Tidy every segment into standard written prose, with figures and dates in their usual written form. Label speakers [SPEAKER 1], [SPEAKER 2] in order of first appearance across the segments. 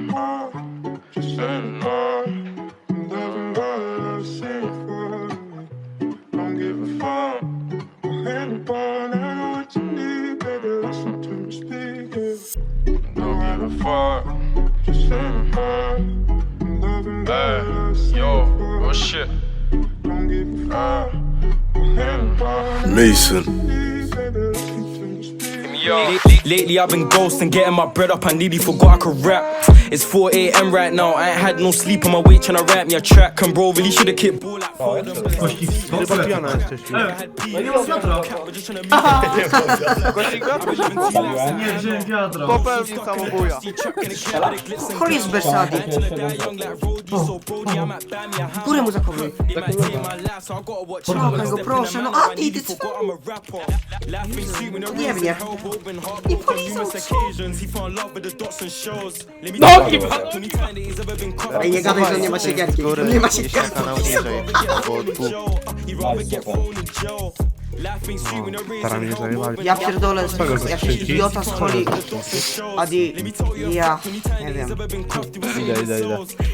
[SPEAKER 1] heart, just saying no. I'm loving what I say for you. Don't give a fuck. I'm anybody, I know what you need, baby. Listen to me speak it. Don't give a fuck, just saying no. I'm loving what I say for you.
[SPEAKER 2] Shit.
[SPEAKER 1] Don't give a fuck. I'm anybody,
[SPEAKER 3] Mason.
[SPEAKER 4] Lately I've been ghosting, getting my bread up, I nearly forgot I could rap. It's 4 AM right now, I ain't had no sleep on my way tryna rap me a track. And bro, really shoulda kicked ball like four of them.
[SPEAKER 5] Chyba pijana jesteś.
[SPEAKER 6] No nie mam wiadra. Nie wziąłem wiadra.
[SPEAKER 5] Popełnił samobuja.
[SPEAKER 7] Chory z Bersadi. Górę mu zachowuj. Trochę go proszę, no Adi, ty co? Nie mnie. Nie polizał, co?
[SPEAKER 6] No nie ma!
[SPEAKER 7] Ej, nie gadaj, że nie ma siekierki. Nie ma siekierki.
[SPEAKER 5] Kanał niżej. Staram się zajmować.
[SPEAKER 7] Ja pierdolę, jakiś idiota z Holi. Adi, ja, nie wiem.
[SPEAKER 5] Idę.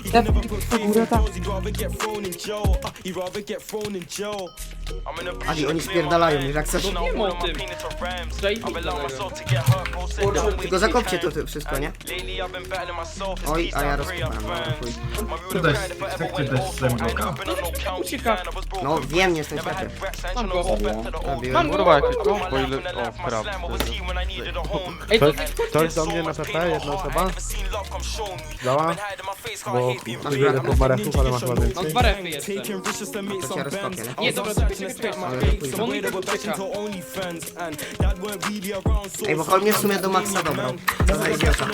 [SPEAKER 7] Adi, oni spierdalają już jak coś.
[SPEAKER 6] Wiem o tym.
[SPEAKER 7] Tylko zakopcie to wszystko, nie? Oj, a ja rozkopałem.
[SPEAKER 6] Tutaj chcecie dać zęboka. Ucieka.
[SPEAKER 7] No wiem, nie jestem światłem.
[SPEAKER 6] Mam go.
[SPEAKER 7] Zabiłem.
[SPEAKER 5] Kurwa, jakie to? Ile... O, prawo.
[SPEAKER 6] Ej, to
[SPEAKER 5] Ktoś do mnie na PP? Jedna osoba? Dała? Bo wiele po barechów, ale masz chyba
[SPEAKER 6] mam
[SPEAKER 5] więcej.
[SPEAKER 6] 2 refy jeszcze.
[SPEAKER 7] To cię rozkopię, nie?
[SPEAKER 6] Nie, dobra, czekaj. On mi tak ucieka.
[SPEAKER 7] Ej, bo Hol mnie w sumie do maksa dobrał. To za idiota.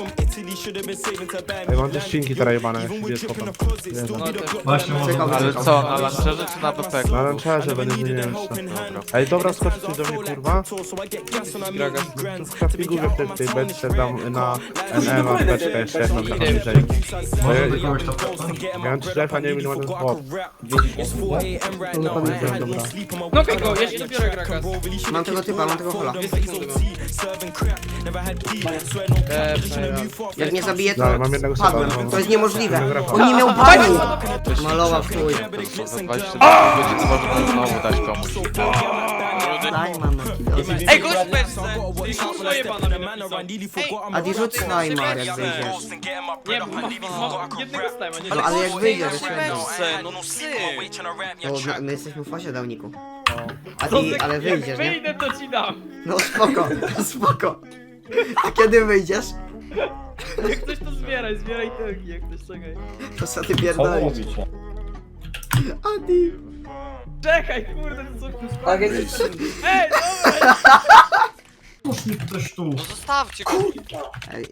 [SPEAKER 5] Ej, mam też ścinki teraz jebane, jak się dziecko tam.
[SPEAKER 6] No to... Właśnie
[SPEAKER 7] Czekał,
[SPEAKER 5] Ale
[SPEAKER 7] czekał.
[SPEAKER 5] co, na lancerze czy na PP? Na lancerze będę zmieniał jeszcze. Ej, dobra, skoczcie do mnie, kurwa. W craftingu w tej beczce dam na NM, a beczkę jeszcze jedną trochę niżej. Miałem 3 a nie wiem ile ma ten chłop. Dobra.
[SPEAKER 6] No okej, go, ja się dobiorę Gragas.
[SPEAKER 7] Mam tego typa, mam tego Hola. Jak mnie zabije, to
[SPEAKER 5] Dobra, mam jednego
[SPEAKER 7] padłem.
[SPEAKER 5] seta, no.
[SPEAKER 7] To jest niemożliwe. On nie miał bani. Malował w chuj.
[SPEAKER 5] Za 20 godzin można znowu dać komuś.
[SPEAKER 7] Daj, mam.
[SPEAKER 6] Ej, gość w beczce! Ty kurwa jebana mnie napisał.
[SPEAKER 7] Adi, rzuć Snajmar, jak wyjdziesz.
[SPEAKER 6] Nie, mam jednego stajma, nie?
[SPEAKER 7] No ale jak wyjdziesz, jeszcze jedną.
[SPEAKER 2] No
[SPEAKER 7] Bo my jesteśmy w fazie dałniku. Adi, ale wyjdziesz,
[SPEAKER 6] Jak
[SPEAKER 7] nie?
[SPEAKER 6] wyjdę, to ci dam.
[SPEAKER 7] No spoko, spoko. A kiedy wyjdziesz?
[SPEAKER 6] Jak ktoś to zbieraj tyłki, jak ktoś czekaj.
[SPEAKER 7] To co ty pierdolisz? Adi.
[SPEAKER 6] Czekaj, kurde, to co kurwa.
[SPEAKER 7] Tak,
[SPEAKER 6] Ej, dobra!
[SPEAKER 2] No zostawcie go.
[SPEAKER 7] Ej,